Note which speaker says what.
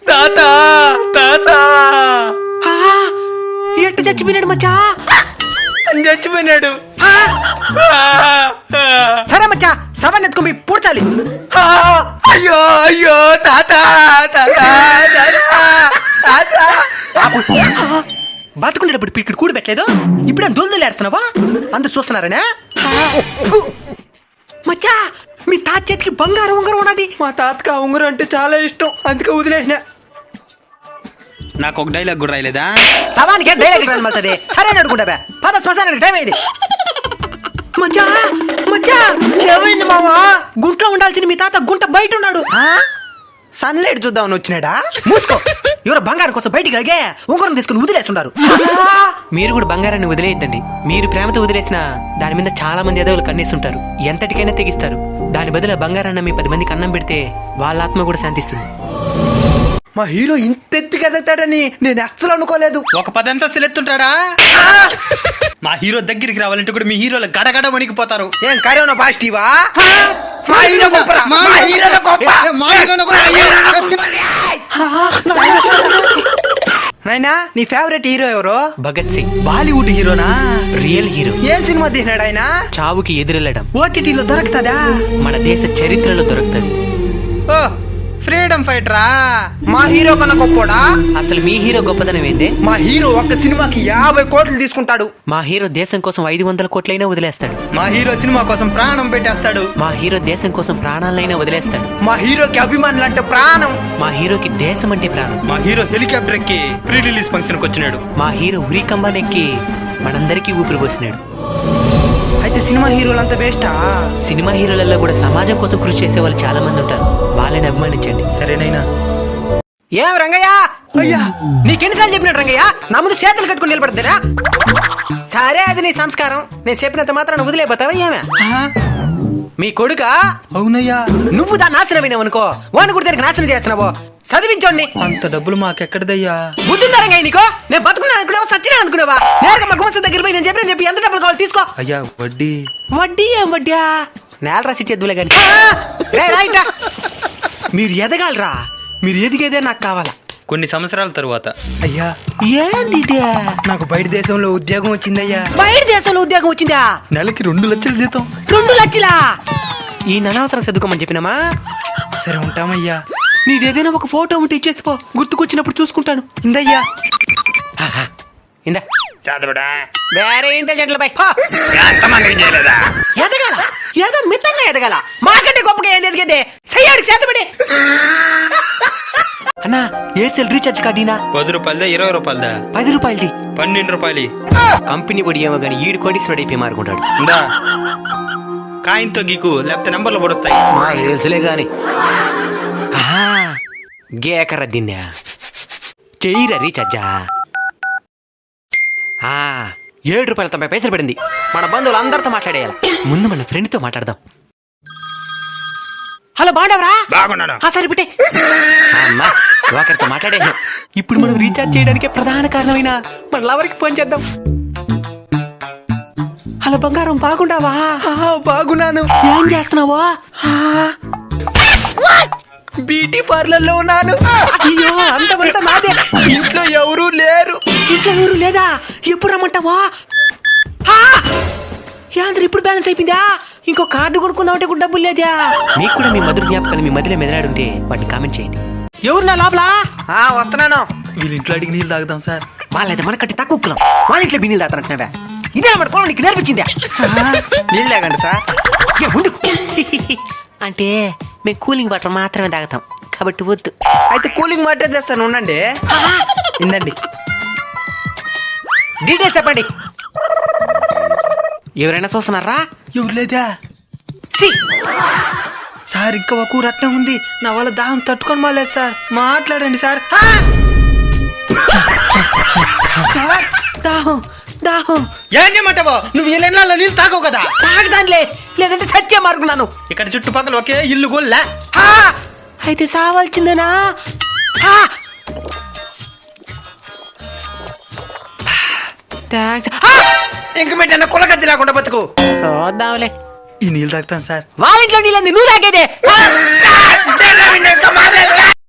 Speaker 1: తాత తాత
Speaker 2: ఎట్టు చచ్చిపోయినాడు మచ్చా?
Speaker 1: చచ్చిపోయినాడు.
Speaker 2: సరే మచ్చా, సవాన్ని ఎత్తుకొని పూడ్చాలి.
Speaker 1: అయ్యో అయ్యో తాత తాత తాత.
Speaker 2: బతుకుండేటప్పుడు ఇక్కడ కూడి పెట్టలేదు, ఇప్పుడే దొల్దొల్లి ఆడుతున్నావా? అందరు చూస్తున్నారనే. మచ్చా, మీ తాత చేతికి బంగారం ఉంగరం ఉన్నది.
Speaker 1: మా తాతకి ఆ ఉంగరం అంటే చాలా ఇష్టం, అందుకే వదిలేసిన. నాకు ఒక డైలాగ్ కూడా రాయలేదా?
Speaker 2: సవానికి డైలాగ్ రాయమవుతుంది. సరే అడుగుంటా పద శ్మశానానికి టైం అయింది. మచ్చా మచ్చా, చెవైంది మావా. గుంట్లో ఉండాల్సిన మీ తాత గుంట బయట ఉన్నాడు.
Speaker 1: సన్లైట్ చూద్దామని వచ్చినాడా?
Speaker 2: మూసుకో. ఎవరో బంగారం కోసం బయటికి అలాగే ఉంగరం తీసుకుని వదిలేస్తున్నారు. మీరు కూడా బంగారాన్ని వదిలేయద్దండి. మీరు ప్రేమతో వదిలేసిన దాని మీద చాలా మంది ఎదవులు కన్నేస్తుంటారు, ఎంతటికైనా తెగిస్తారు. దాని బదులు బంగారాన్ని మీ 10 మందికి అన్నం పెడితే వాళ్ళ ఆత్మ కూడా శాంతిస్తుంది.
Speaker 1: మా హీరో ఇంత ఎత్తుకి ఎదుగుతాడని నేను అస్సలు అనుకోలేదు. ఒక 10 అంతస్తులు ఎత్తుంటాడా? మా హీరో దగ్గరికి రావాలంటే కూడా మీ హీరోలు గడగడ వణికిపోతారు.
Speaker 2: ఏం కరోనా పాజిటివా? నాయనా, నీ ఫేవరెట్ హీరో ఎవరో?
Speaker 1: భగత్ సింగ్. బాలీవుడ్ హీరోనా?
Speaker 2: Real hero.
Speaker 1: ఏం సినిమా తీసినాడు ఆయన?
Speaker 2: చావుకి ఎదురెళ్ళడం.
Speaker 1: ఓటీటీలో దొరుకుతుందా?
Speaker 2: మన దేశ చరిత్రలో దొరుకుతుంది.
Speaker 1: ఓ, ఫ్రీడమ్ ఫైటరా?
Speaker 2: మా హీరో కన్నా గొప్పోడా? అసలు మీ హీరో గొప్పదనం ఏందే?
Speaker 1: మా హీరో ఒక్క సినిమాకి 50 కోట్లు తీసుకుంటాడు.
Speaker 2: మా హీరో దేశం కోసం 500 కోట్లైనా వదిలేస్తాడు.
Speaker 1: మా హీరో సినిమా కోసం ప్రాణం పెట్టేస్తాడు.
Speaker 2: మా హీరో దేశం కోసం ప్రాణాలైనా వదిలేస్తాడు.
Speaker 1: మా హీరోకి అభిమానులు అంటే ప్రాణం.
Speaker 2: మా హీరోకి దేశం అంటే ప్రాణం.
Speaker 1: మా హీరో హెలికాప్టర్ ఎక్కి ప్రీ రిలీజ్ ఫంక్షన్ కి వచ్చినాడు.
Speaker 2: మా హీరో ఉరికంబానెక్కి మనందరికీ ఊపిరి పోసినాడు.
Speaker 1: అయితే సినిమా హీరోలంతా బెస్టా?
Speaker 2: సినిమా హీరోలలో కూడా సమాజం కోసం కృషి చేసే వాళ్ళు చాలా మంది ఉంటారు, వాళ్ళని అభిమానించండి.
Speaker 1: సరేనైనా.
Speaker 2: ఏం రంగయ్య?
Speaker 1: అయ్యా,
Speaker 2: నీకెన్నిసార్లు చెప్పినాడు రంగయ్య? నా ముందు చేతులు కట్టుకుని నిలబడతారా? సరే, అది నీ సంస్కారం. నేను చెప్పినంత మాత్రాన్ని వదిలేపోతావా ఏమే? మీ కొడుక?
Speaker 1: అవునయ్యా.
Speaker 2: నువ్వు దాన్ని నాశనమైనావు అనుకో, వాడిని కూడా దానికి నాశనం చేస్తున్నావు. చదివించోండి.
Speaker 1: అంత డబ్బులు మాకెక్కడదయ్యా?
Speaker 2: బుద్ధిందా రంగయ్య నీకో? నేను బతుకున్నా అనుకున్నావా, సచ్చినా అనుకున్నావా? నేరుగా మా గుమస్తా దగ్గర పోయి నేను చెప్పి ఎంత డబ్బులు కావాలి తీసుకో.
Speaker 1: అయ్యా, వడ్డీ.
Speaker 2: వడ్డీ ఏం వడ్డీ? నేల రాసి చేద్దులే గాని. రైటా, మీరు ఎదగాలరా. మీరు ఎదిగేదే నాకు కావాలా.
Speaker 1: కొన్ని సంవత్సరాల తరువాత.
Speaker 2: అయ్యా, ఏంది
Speaker 1: నాకు బయట దేశంలో ఉద్యోగం వచ్చిందయ్యా.
Speaker 2: బయట దేశంలో ఉద్యోగం వచ్చిందా?
Speaker 1: నెలకి 2 లక్షల జీతం.
Speaker 2: 2 లక్షలా? ఈ అనవసరం చదువుకోమని చెప్పినామా?
Speaker 1: సరే, ఉంటామయ్యా.
Speaker 2: నీదేదైనా ఒక ఫోటో ఉంటే ఇచ్చేసిపో, గుర్తుకొచ్చినప్పుడు చూసుకుంటాను.
Speaker 1: ఇందయ్యా.
Speaker 2: ఇందా
Speaker 1: చదవడా?
Speaker 2: వేరే ఇంటెలిజెంట్లపై ఎదగాల, ఏదో మితంగా ఎదగాల. మాకంటే గొప్పగా ఏం ఎదిగేదే? సయ్యాడికి చేతబడి. అన్నా, ఎయిర్సెల్ రీఛార్జ్ కార్డీనా?
Speaker 1: 10 రూపాయలదా 20 రూపాయలదా?
Speaker 2: 10 రూపాయలది.
Speaker 1: 12 రూపాయలు.
Speaker 2: కంపెనీ పొడి ఏమో గానీ ఈడు కోటీశ్వరుడు అయిపోయి మారుకుంటాడు.
Speaker 1: ఇందా కాయంతో గీకు, లేకపోతే నంబర్లు పడతాయి.
Speaker 2: మాకు తెలుసులే గాని. గేకర దిన్నా చెయ్యిరా రీఛార్జా. 7 రూపాయల 90 పైసలు పడింది. మన బంధువులు అందరితో మాట్లాడేయాలి. ముందు మన ఫ్రెండ్తో మాట్లాడదాం. హలో, బాగున్నావరా?
Speaker 1: బాగున్నాను.
Speaker 2: సరే పెట్టే. అమ్మా, ఒకరితో మాట్లాడేసాం. ఇప్పుడు మనం రీఛార్జ్ చేయడానికే ప్రధాన కారణమైన మన లవర్కి ఫోన్ చేద్దాం. హలో బంగారం, బాగుండావా?
Speaker 1: బాగున్నాను.
Speaker 2: ఏం చేస్తున్నావా?
Speaker 1: బ్యూటీ పార్లర్ లో ఉన్నాను.
Speaker 2: అయ్యో, అంతమంతా నాదే.
Speaker 1: ఇంట్లో ఎవరూ లేరు.
Speaker 2: ఇంట్లో ఎవరు లేదా? ఎప్పుడు రమ్మంటావా? యాంద్ర ఇప్పుడు బ్యాలెన్స్ అయిపోయిందా? ఇంకో కార్డు కొనుక్కుందామంటే కూడా డబ్బులు లేదా? మీకు కూడా మీ మధుర జ్ఞాపకాలు మీ మధ్యలో మెదలాడుంటే వాటిని కామెంట్ చేయండి. ఎవరు నా లోపల?
Speaker 1: వస్తున్నాను. వీళ్ళ ఇంట్లో అడిగి నీళ్ళు తాగుదాం సార్.
Speaker 2: వాళ్ళైతే మనకట్టి తక్కువ కులం, వాళ్ళ ఇంట్లో బిన్నీళ్ళు తాగుతారంటున్నావా? ఇదే మన కులం నీకు నేర్పించిందా?
Speaker 1: నీళ్ళు తాగండి సార్.
Speaker 2: అంటే మేము కూలింగ్ వాటర్ మాత్రమే తాగుతాం కాబట్టి వద్దు.
Speaker 1: అయితే కూలింగ్ వాటర్ తెస్తాను, ఉండండి. ఇందండి.
Speaker 2: డీటెయిల్స్ చెప్పండి. ఎవరైనా చూస్తున్నారా?
Speaker 1: ఎవరు లేదా సార్? ఇంకా ఒక రత్నం ఉంది, నా వల్ల దాహం తట్టుకొని మాలేదు సార్. మాట్లాడండి సార్.
Speaker 2: సార్, దాహం దాహం.
Speaker 1: ఏం చేయమంటావో? నువ్వు ఈ లైన్లలో నీళ్ళు తాగవు కదా?
Speaker 2: తాగదానిలే, లేదంటే సత్య మార్కున్నాను.
Speaker 1: ఇక్కడ చుట్టుపక్కల ఒకే ఇల్లు గోల్లా.
Speaker 2: అయితే సావాల్సిందేనా?
Speaker 1: ఇంక పెట్టిన కులగద్ది లేకుండా బతుకు.
Speaker 2: చూద్దాంలే.
Speaker 1: ఈ నీళ్ళు తాగుతాను సార్.
Speaker 2: వాళ్ళ ఇంట్లో నీళ్ళంది నువ్వు తాగేదే.